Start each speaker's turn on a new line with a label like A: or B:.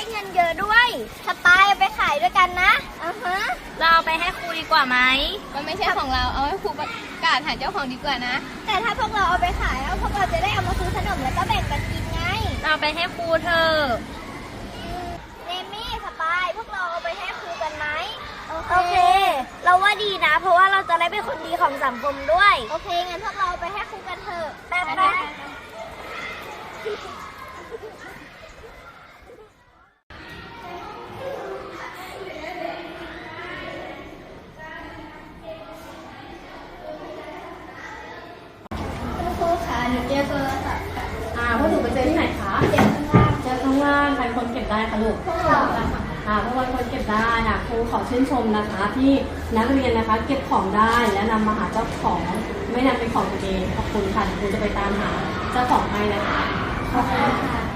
A: เงินเยอะด้วยสปายเอาไปขายด้วยกันนะ
B: เราเอาไปให้ครูดีกว่าไหม
C: มันไม่ใช่ของเราเอาให้ครูประกาศหาเจ้าของดีกว่านะ
A: แต่ถ้าพวกเราเอาไปขายแล้วพวกเราจะได้เอามาซื้อขนมแล้วก็แบ่งกันกินไง
B: เราเอาไปให้ครูเธอ
A: เนมี่สปายพวกเราเอาไปให้ครูกันไหมโอเคเราว่าดีนะเพราะว่าเราจะได้เป็นคนดีของสังคมด้วยโอเคงั้นพวกเราเอาไปให้ครูกันเถอะแป๊บครูคะหนูเจอโทรศัพท์
D: พวกหนูไปเจอที่ไหนคะเจอข้างล่างใครคนเก็บได้คะลูก
A: พวกเรา
D: พวกเราคนเก็บได้ครูขอชื่นชมนะคะที่นักเรียนนะคะเก็บของได้และนำมาหาเจ้าของไม่นำเป็นของตัวเองขอบคุณค่ะครูจะไปตามหาเจ้าของให้นะคะขอบคุณค่ะ